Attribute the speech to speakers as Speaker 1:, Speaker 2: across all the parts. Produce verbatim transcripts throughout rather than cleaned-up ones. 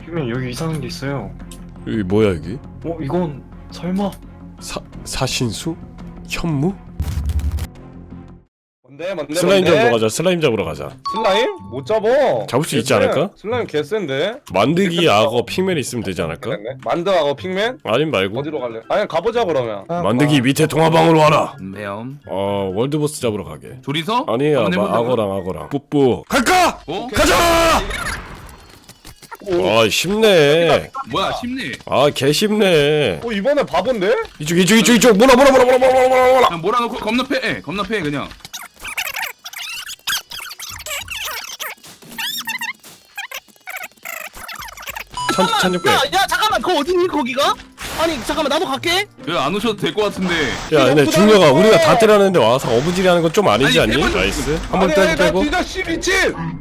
Speaker 1: 핑맨 여기 이상한 게 있어요.
Speaker 2: 여기 뭐야 여기?
Speaker 1: 어 이건 설마?
Speaker 2: 사 사신수? 현무?
Speaker 3: 뭔데 뭔데
Speaker 2: 슬라임
Speaker 3: 뭔데?
Speaker 2: 잡으러 가자. 슬라임 잡으러 가자.
Speaker 3: 슬라임? 못 잡어.
Speaker 2: 잡을 수 있지
Speaker 3: 개쎄.
Speaker 2: 않을까?
Speaker 3: 슬라임 개센데?
Speaker 2: 만드기 악어 핑맨 있으면 되지 않을까?
Speaker 3: 그랬네. 만드하고 핑맨?
Speaker 2: 아님 말고
Speaker 3: 어디로 갈래? 아니 가보자 그러면.
Speaker 2: 만드기 밑에 동화방으로 와라.
Speaker 4: 매엄
Speaker 2: 어 월드보스 잡으러 가게.
Speaker 4: 둘이서?
Speaker 2: 아니야
Speaker 4: 한번
Speaker 2: 마,
Speaker 4: 해본다고?
Speaker 2: 악어랑 악어랑 뿌뿌 갈까?
Speaker 4: 어?
Speaker 2: 가자! 아 쉽네.
Speaker 4: 뭐야 쉽네.
Speaker 2: 아 개 쉽네.
Speaker 3: 어 이번에 바본데?
Speaker 2: 이쪽 이쪽 이쪽 이쪽 뭐라 뭐라 뭐라 뭐라 뭐라 뭐라 뭐라.
Speaker 4: 그냥 몰아놓고 겁나 패 겁나 패 그냥.
Speaker 2: 천 천육백.
Speaker 5: 야, 야, 잠깐만, 그거 어디니, 거기가? 아니, 잠깐만, 나도 갈게.
Speaker 4: 그 안 오셔도 될 것 같은데.
Speaker 2: 야 근데 중녀가 우리가 다 때렸는데 와서 어부지리하는 건 좀 아니지
Speaker 4: 아니,
Speaker 2: 않니?
Speaker 4: 대박.
Speaker 2: 나이스. 한번
Speaker 3: 아니,
Speaker 2: 빼고
Speaker 3: 아니, 나
Speaker 2: 빼고.
Speaker 3: 진짜 씨 미친!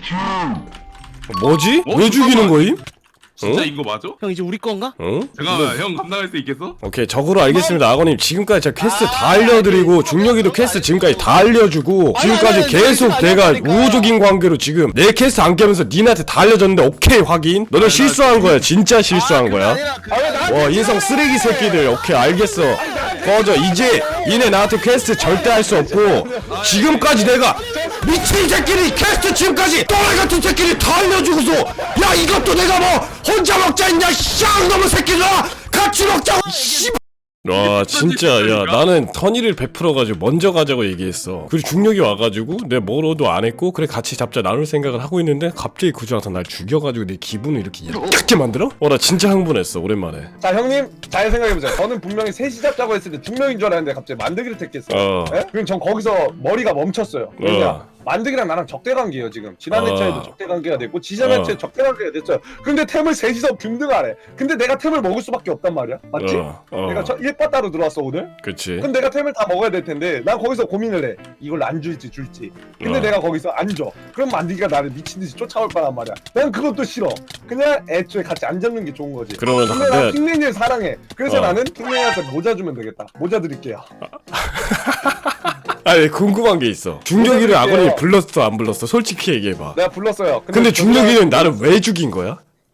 Speaker 2: 뭐지?
Speaker 4: 어?
Speaker 2: 왜 죽이는
Speaker 4: 잠깐만.
Speaker 2: 거임?
Speaker 4: 진짜
Speaker 2: 어?
Speaker 4: 이거 맞아?
Speaker 5: 형, 이제 우리 건가?
Speaker 2: 응?
Speaker 4: 잠깐만 형 감당할 수 있겠어?
Speaker 2: 오케이 적으로 알겠습니다. 악어님 지금까지 제가 퀘스트 다 알려드리고 중력이도 퀘스트 지금까지 다 알려주고 지금까지 계속 내가 우호적인 관계로 지금 내 퀘스트 안 깨면서 니한테 다 알려줬는데 오케이 확인. 너네 실수한 거야. 진짜 실수한 거야. 와 인성 쓰레기 새끼들. 오케이 알겠어. 꺼져. 이제 이네 나한테 퀘스트 절대 할 수 없고 지금까지 내가 미친 새끼리 퀘스트 지금까지 또라이 같은 새끼리 다 알려주고서 야 이것도 내가 뭐 혼자 먹자 했냐 쌍놈의 새끼들아 같이 먹자고 씨발. 와 진짜 야 나는 선의를 베풀어가지고 먼저 가자고 얘기했어. 그리고 중력이 와가지고 내가 뭐로도 안 했고 그래 같이 잡자 나눌 생각을 하고 있는데 갑자기 그저 와서 날 죽여가지고 내 기분을 이렇게 약하게 만들어? 어 나 진짜 흥분했어 오랜만에.
Speaker 3: 자 형님 잘 생각해보자. 저는 분명히 셋이 잡자고 했을 때 두 명인 줄 알았는데 갑자기 만드기를 택했어요.
Speaker 2: 어.
Speaker 3: 예? 그럼 전 거기서 머리가 멈췄어요. 왜냐?
Speaker 2: 어.
Speaker 3: 만드기랑 나랑 적대관계예요 지금. 지난
Speaker 2: 어.
Speaker 3: 회차에도 적대관계가 됐고 지난
Speaker 2: 어.
Speaker 3: 회차에 적대관계가 됐어요. 근데 템을 셋이서 균등하래. 근데 내가 템을 먹을 수밖에 없단 말이야. 맞지?
Speaker 2: 어, 어.
Speaker 3: 내가 저 일 바 따로 들어왔어 오늘.
Speaker 2: 그치.
Speaker 3: 그럼 내가 템을 다 먹어야 될 텐데 난 거기서 고민을 해. 이걸 안 줄지 줄지. 근데
Speaker 2: 어.
Speaker 3: 내가 거기서 안 줘. 그럼 만드기가 나를 미친 듯이 쫓아올 거란 말이야. 난 그것도 싫어. 그냥 애초에 같이 안 잡는 게 좋은 거지.
Speaker 2: 그러면
Speaker 3: 근데 난
Speaker 2: 내가
Speaker 3: 핑맨이를 사랑해. 그래서
Speaker 2: 어.
Speaker 3: 나는 핑맨이한테 모자 주면 되겠다. 모자 드릴게요.
Speaker 2: 아니 궁금한 게 있어. 중력이를
Speaker 3: 뭐가
Speaker 2: 악어님이
Speaker 3: 있게요?
Speaker 2: 불렀어 안 불렀어? 솔직히 얘기해봐.
Speaker 3: 내가 불렀어요.
Speaker 2: 근데 중력이는 나를 왜 죽인 거야?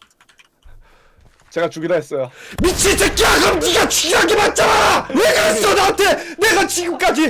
Speaker 3: 제가 죽이라 했어요.
Speaker 2: 미친 새끼야 그럼 네가 죽이란 게 맞잖아. 왜 그랬어 나한테. 내가 지금까지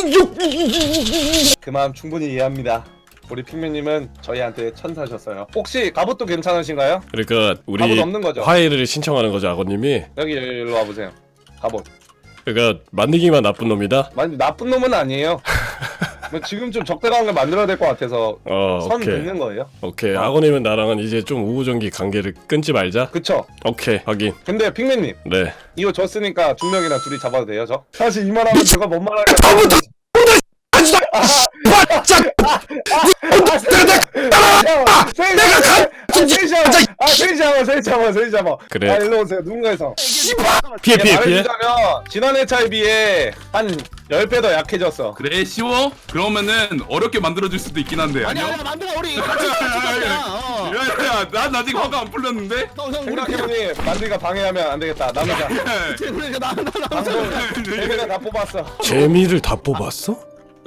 Speaker 3: 그 마음 충분히 이해합니다. 우리 핑맨님은 저희한테 천사셨어요. 혹시 갑옷도 괜찮으신가요?
Speaker 2: 그러니까 우리
Speaker 3: 갑옷 없는 거죠?
Speaker 2: 화해를 신청하는 거죠 악어님이.
Speaker 3: 여기 일로 와보세요. 갑옷.
Speaker 2: 그러니까 만들기만 나쁜 놈이다.
Speaker 3: 많이 나쁜 놈은 아니에요. 뭐 지금 좀 적대관계 만들어야 될 것 같아서
Speaker 2: 어
Speaker 3: 선
Speaker 2: 오케이
Speaker 3: 긋는 거예요.
Speaker 2: 오케이 악어님은 나랑은 이제 좀 우호정기 관계를 끊지 말자.
Speaker 3: 그쵸?
Speaker 2: 오케이 확인.
Speaker 3: 근데 핑맨님
Speaker 2: 네.
Speaker 3: 이거 줬으니까 중력이랑 둘이 잡아도 돼요 저? 사실 이 말하면 제가 뭔 말할까
Speaker 2: 다음부터 바짝
Speaker 3: 내가 가! 셋이 잡아! 아 셋이 잡아 셋이 잡아 셋이 잡아
Speaker 2: 그래.
Speaker 3: 아 일로 오세요 누군가에서
Speaker 2: 피해 피해 피해.
Speaker 3: 말해주자면 지난 회차에 비해 한 십 배 더 약해졌어.
Speaker 4: 그래 쉬워? 그러면은 어렵게 만들어줄 수도 있긴 한데
Speaker 5: 아니,
Speaker 4: 아니요?
Speaker 5: 아니, 만들어, 우리 같이 가자. 어.
Speaker 4: 야야 난 아직 화가 안 풀렸는데?
Speaker 5: 형, 형, 우리 그냥.
Speaker 3: 생각해보니 만들이가 방해하면 안 되겠다. 남자
Speaker 5: 그러니까 나, 나, 나, 나.
Speaker 3: 방송 재미를 다 뽑았어.
Speaker 2: 재미를 다 뽑았어?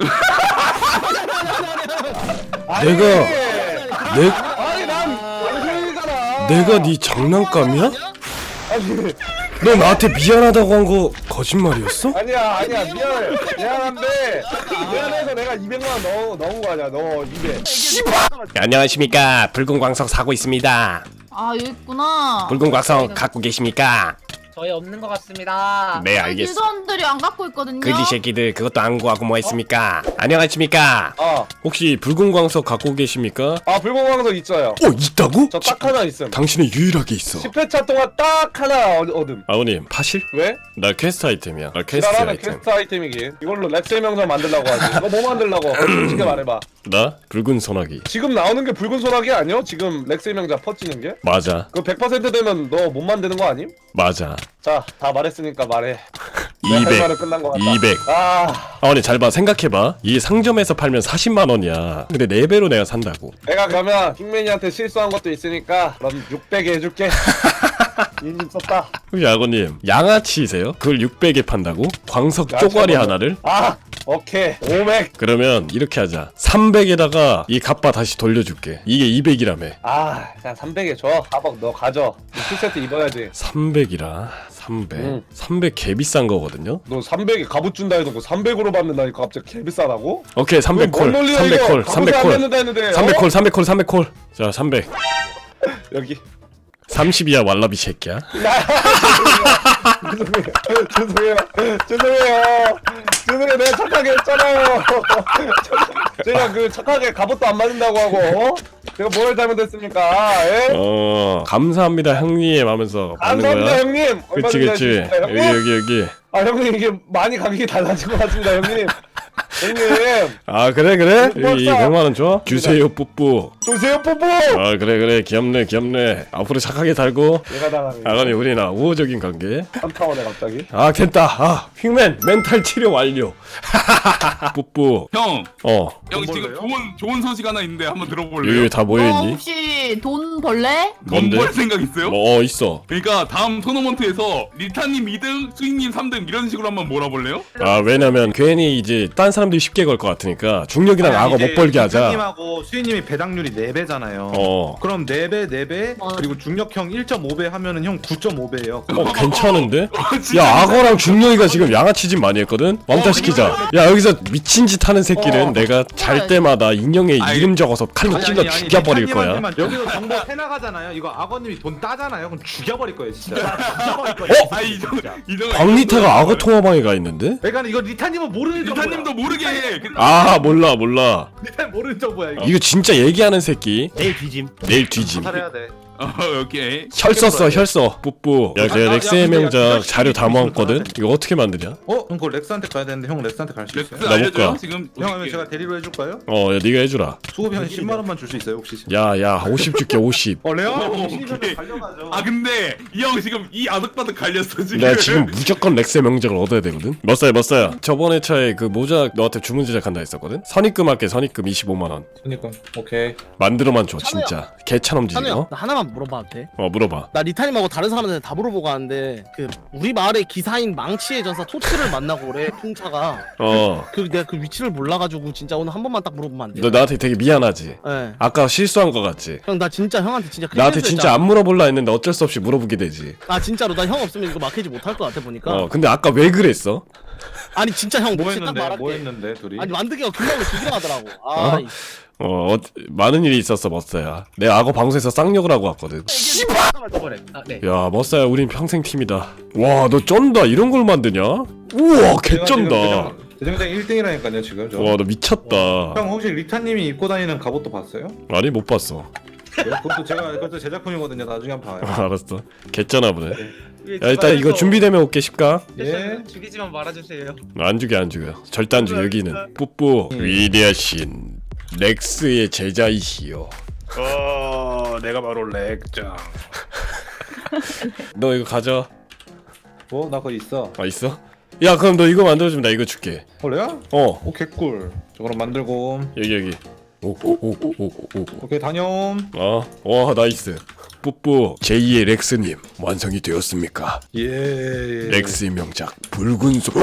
Speaker 3: 아니,
Speaker 2: 내가- 내
Speaker 3: 아니 난 방송이잖아.
Speaker 2: 내가 네 장난감이야?
Speaker 3: 아니
Speaker 2: 너 나한테 미안하다고 한 거 거짓말이었어?
Speaker 3: 아니야 아니야 미안해 미안한데 미안해서 내가 이백만 원 넣어 넣은 거 아니야 너 이백.
Speaker 2: 네, 안녕하십니까 붉은 광석 사고 있습니다.
Speaker 6: 아 여기 있구나.
Speaker 2: 붉은 광석 갖고 계십니까?
Speaker 7: 저희 없는 것 같습니다.
Speaker 2: 네
Speaker 6: 아니,
Speaker 2: 알겠어.
Speaker 6: 길선들이 안 갖고 있거든요.
Speaker 2: 그지 새끼들 그것도 안 구하고 뭐 했습니까? 안녕하십니까?
Speaker 3: 어.
Speaker 2: 혹시 붉은 광석 갖고 계십니까?
Speaker 3: 아 불공광석 있어요.
Speaker 2: 어 있다고?
Speaker 3: 저 딱 하나 있음.
Speaker 2: 당신은 유일하게 있어.
Speaker 3: 십 회차 동안 딱 하나 얻- 얻음.
Speaker 2: 아버님 파실?
Speaker 3: 왜?
Speaker 2: 나 퀘스트 아이템이야. 나 퀘스트
Speaker 3: 지랄하는
Speaker 2: 아이템.
Speaker 3: 퀘스트 아이템이긴. 이걸로 렉셀 명장 만들라고 하지. 너 뭐 만들라고? 솔직히 말해봐.
Speaker 2: 나 붉은 소나기.
Speaker 3: 지금 나오는 게 붉은 소나기 아니야? 지금 렉셀 명장 퍼지는 게?
Speaker 2: 맞아
Speaker 3: 그거 백 퍼센트 되면 너 못 만드는 거 아님?
Speaker 2: 맞아.
Speaker 3: 자, 다 말했으니까 말해. 내 할
Speaker 2: 이백
Speaker 3: 말은 끝난 거 같다.
Speaker 2: 이백.
Speaker 3: 아,
Speaker 2: 아버님 잘 봐. 생각해봐. 이 상점에서 팔면 사십만 원이야. 근데 네 배로 내가 산다고.
Speaker 3: 내가 그러면 킹맨이한테 실수한 것도 있으니까 넌 육백에 해줄게. 인심 썼다.
Speaker 2: 혹시 아버님 양아치세요? 그걸 육백에 판다고? 광석
Speaker 3: 야채
Speaker 2: 쪼가리
Speaker 3: 먹어.
Speaker 2: 하나를?
Speaker 3: 아, 오케이 오백.
Speaker 2: 그러면 이렇게 하자. 삼백에다가 이 갑바 다시 돌려줄게. 이게 이백이라며.
Speaker 3: 아 그냥 삼백에 줘. 가방 너 가져. 풀세트 입어야지.
Speaker 2: 삼백이라 삼백.
Speaker 3: 응.
Speaker 2: 삼백 개 비싼 거거든요.
Speaker 3: 너 삼백에 갑옷 준다 해놓고 삼백으로 받는다니까 갑자기 개비싸다고?
Speaker 2: 오케이 삼백 콜.
Speaker 3: 뭔 논리야,
Speaker 2: 삼백
Speaker 3: 이거?
Speaker 2: 콜.
Speaker 3: 갑옷을
Speaker 2: 삼백
Speaker 3: 안
Speaker 2: 콜.
Speaker 3: 받는다 했는데,
Speaker 2: 삼백
Speaker 3: 어?
Speaker 2: 콜. 삼백 콜. 삼백 콜. 자 삼백.
Speaker 3: 여기.
Speaker 2: 삼십이야 왈라비 새끼야.
Speaker 3: 죄송해요. 죄송해요. 죄송해요. 죄송해요. 내가 착하게 했잖아요. 제가 그 착하게 갑옷도 안 맞는다고 하고 어? 제가 뭘 잘못했습니까? 예?
Speaker 2: 어 감사합니다 형님 하면서 받는
Speaker 3: 감사합니다
Speaker 2: 거야.
Speaker 3: 형님. 얼마
Speaker 2: 그치
Speaker 3: 전에
Speaker 2: 그치.
Speaker 3: 하셨습니다,
Speaker 2: 여기
Speaker 3: 형님?
Speaker 2: 여기 여기.
Speaker 3: 아 형님 이게 많이 가격이 달라진 것 같습니다 형님. 형님
Speaker 2: 아 그래 그래?
Speaker 3: 뽀뽀
Speaker 2: 여기
Speaker 3: 써.
Speaker 2: 백만 원 줘? 주세요 뿌뿌.
Speaker 3: 조세요 뽀뽀.
Speaker 2: 아 그래 그래 귀엽네 귀엽네. 앞으로 착하게 살고.
Speaker 3: 내가 당하네.
Speaker 2: 아가니 우리나 우호적인 관계.
Speaker 3: 삼타원에 갑자기.
Speaker 2: 아 됐다. 아 핑맨 멘탈 치료 완료. 뿌뿌.
Speaker 4: 형,
Speaker 2: 어
Speaker 4: 형 지금 좋은 좋은 소식 하나 있는데 한번 들어볼래요?
Speaker 2: 여기 다
Speaker 6: 어,
Speaker 2: 모여있니?
Speaker 6: 혹시 돈 벌래?
Speaker 2: 뭔데?
Speaker 4: 돈벌 생각 있어요?
Speaker 2: 뭐 어, 있어.
Speaker 4: 그러니까 다음 토너먼트에서 리타님 이 등, 수익님 삼 등 이런 식으로 한번 몰아볼래요?
Speaker 2: 아 왜냐면 괜히 이제 딴 사람들이 쉽게 걸 것 같으니까 중력이랑 악어 못 벌게 하자.
Speaker 8: 님하고 수희님이 배당률이 네 배잖아요.
Speaker 2: 어.
Speaker 8: 그럼 네 배, 네 배
Speaker 6: 어.
Speaker 8: 그리고 중력형 일 점 오 배 하면은 형 구 점 오 배예요.
Speaker 2: 어 괜찮은데?
Speaker 4: 어, 진짜
Speaker 2: 야 악어랑 중력이가 지금 양아치짓 많이 했거든? 왕따 시키자. 야 여기서 미친 짓 하는 새끼는
Speaker 3: 어.
Speaker 2: 내가 잘 때마다 인형에
Speaker 4: 아이.
Speaker 2: 이름 적어서 칼로 찔러 죽여버릴 거야.
Speaker 8: 여기서 정보 해나가잖아요. 이거 악어님이 돈 따잖아요. 그럼 죽여버릴 거예요, 진짜. 죽여버릴 거예요.
Speaker 4: 아 이정 이정
Speaker 2: 광리타가 악어 통화방에 가 있는데?
Speaker 8: 그러니까 이거 리타님은 모르는 정보야.
Speaker 4: 리타님도 모르게 해. 그-
Speaker 2: 아 몰라 몰라.
Speaker 8: 리타님 모르는 정보야 이거.
Speaker 2: 이거 진짜 얘기하는 새끼.
Speaker 5: 내일 뒤짐.
Speaker 2: 내일 뒤짐.
Speaker 8: 살해야 돼.
Speaker 4: 어, 오케이.
Speaker 2: 혈 썼어 혈 써. 뿌뿌. 야
Speaker 8: 아,
Speaker 2: 내가
Speaker 8: 아,
Speaker 2: 렉스의
Speaker 8: 야, 근데 야,
Speaker 2: 명작
Speaker 8: 이거
Speaker 2: 자료 다
Speaker 8: 이거
Speaker 2: 모았거든?
Speaker 8: 이거
Speaker 2: 이거 어떻게 만드냐?
Speaker 8: 어? 형 그거 렉스한테 가야 되는데 형 렉스한테 갈 수
Speaker 4: 렉스
Speaker 8: 있어요?
Speaker 2: 나
Speaker 4: 알려줘요
Speaker 2: 못 가.
Speaker 4: 지금.
Speaker 8: 형 하면 제가 데리러 해줄까요?
Speaker 2: 어 야 네가 해주라.
Speaker 8: 수고비 한 십만 원만 줄 수 있어요 혹시?
Speaker 2: 야야 오십 줄게 오십.
Speaker 8: 어 레어?
Speaker 4: 어,
Speaker 8: 신입사원
Speaker 4: 오케이.
Speaker 8: 달려가죠.
Speaker 4: 아 근데 이 형 지금 이 아득바득 갈렸어 지금.
Speaker 2: 내가 지금 무조건 렉스의 명작을 얻어야 되거든? 몇 살 몇 살? 저번에 차에 그 모자 너한테 주문 제작한다 했었거든? 선입금 할게 선입금 이십오만 원.
Speaker 8: 그니까 오케이.
Speaker 2: 만들어만 줘
Speaker 5: 찬우야.
Speaker 2: 진짜 개차놈지
Speaker 5: 찬우야,
Speaker 2: 어?
Speaker 5: 나 하나만 물어봐도 돼?
Speaker 2: 어 물어봐.
Speaker 5: 나 리타님하고 다른 사람한테 다 물어보고 가는데 그 우리 마을의 기사인 망치의 전사 토치를 만나고 그래 풍차가.
Speaker 2: 어
Speaker 5: 그 내가 그 위치를 몰라가지고 진짜 오늘 한 번만 딱 물어보면 안 돼?
Speaker 2: 너 나한테 되게 미안하지?
Speaker 5: 예.
Speaker 2: 아까 실수한 거 같지?
Speaker 5: 형 나 진짜 형한테 진짜 큰일
Speaker 2: 나한테
Speaker 5: 날
Speaker 2: 진짜
Speaker 5: 뻔했잖아.
Speaker 2: 안 물어볼라 했는데 어쩔 수 없이 물어보게 되지.
Speaker 5: 아 진짜로 나 형 없으면 이거 막히지 못할 것 같아 보니까.
Speaker 2: 어 근데 아까 왜 그랬어?
Speaker 5: 아니 진짜 형
Speaker 8: 뭐
Speaker 5: 혹시 딱
Speaker 8: 했는데?
Speaker 5: 말할게.
Speaker 8: 뭐 했는데 둘이?
Speaker 5: 아니 만드기가 금방으로 죽이려 하더라고. 아,
Speaker 2: 어?
Speaker 5: 이-
Speaker 2: 어, 어 많은 일이 있었어 머싸야. 내가 악어 방송에서 쌍욕을 하고 왔거든.
Speaker 7: 아, 네.
Speaker 2: 야 머싸야 우린 평생 팀이다. 와 너 쩐다 이런 걸 만드냐? 우와 개쩐다.
Speaker 8: 대장장 일 등이라니까요 지금 저.
Speaker 2: 와 너 미쳤다.
Speaker 8: 형 혹시 리타님이 입고 다니는 갑옷도 봤어요?
Speaker 2: 아니 못 봤어.
Speaker 8: 네, 그것도 제가 그것도 제작품이거든요. 나중에 한번 봐요.
Speaker 2: 알았어. 개쩌나 보네. 야 일단 이거 준비되면 올게 십가.
Speaker 8: 예.
Speaker 7: 죽이지만 말아주세요.
Speaker 2: 안 죽여 안 죽여. 절대 안 죽여 여기는. 뿌뿌 위대하신 렉스의 제자이시여.
Speaker 8: 어, 내가 바로 렉장.
Speaker 2: 너 이거 가져.
Speaker 8: 뭐? 나 그거 있어.
Speaker 2: 아 있어? 야 그럼 너 이거 만들어주면 나 이거 줄게.
Speaker 8: 원래야?
Speaker 2: 어
Speaker 8: 오 개꿀. 저 그럼 만들고.
Speaker 2: 여기 여기. 오오오오오.
Speaker 8: 오케이 다녀옴.
Speaker 2: 어, 와 나이스. 뿌뿌 제이의 렉스님 완성이 되었습니까?
Speaker 8: 예. 예.
Speaker 2: 렉스의 명작 붉은 소.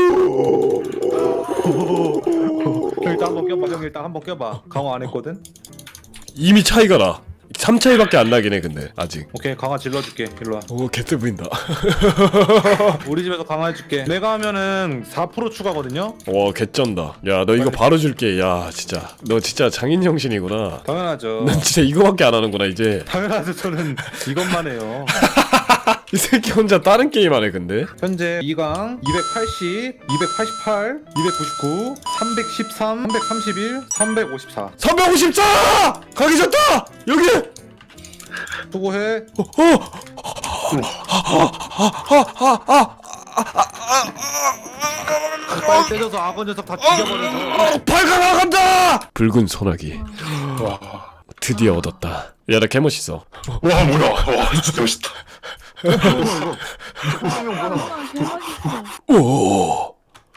Speaker 8: 형 일단 한번 껴봐. 형 일단 한번 껴봐. 강화 안 했거든.
Speaker 2: 이미 차이가 나. 삼 차이밖에 안 나긴 해 근데 아직.
Speaker 8: 오케이 강화 질러줄게. 일로 와.
Speaker 2: 오 개뜨 보인다.
Speaker 8: 우리 집에서 강화해줄게. 내가 하면은 사 퍼센트 추가거든요.
Speaker 2: 와 개쩐다. 야 너 이거 바로 줄게. 야 진짜 너 진짜 장인 정신이구나.
Speaker 8: 당연하죠.
Speaker 2: 난 진짜 이거밖에 안 하는구나 이제.
Speaker 8: 당연하죠. 저는 이것만 해요.
Speaker 2: 이 새끼 혼자 다른 게임 하네 근데.
Speaker 8: 현재 이 강 이백팔십, 이백팔십팔, 이백구십구, 삼백십삼, 삼백삼십일, 삼백오십사.
Speaker 2: 삼백오십사! 가기 좋다! 여기!
Speaker 8: 수고해. 빨리 때려서 악어 녀석 다 죽여버려줘.
Speaker 2: 어, 발가 나간다! 붉은 소나기. 드디어 얻었다. 야 나 개멋있어.
Speaker 1: 와 뭐야? 와 진짜 멋있다.
Speaker 2: 오.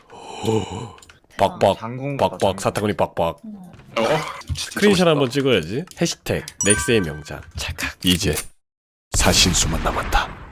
Speaker 2: 빡빡 빡빡 사타구니 빡빡.
Speaker 1: 어?
Speaker 2: 스크린샷 한번 찍어야지. 해시태그 넥스의 명작 찰칵. 이제 사신수만 남았다.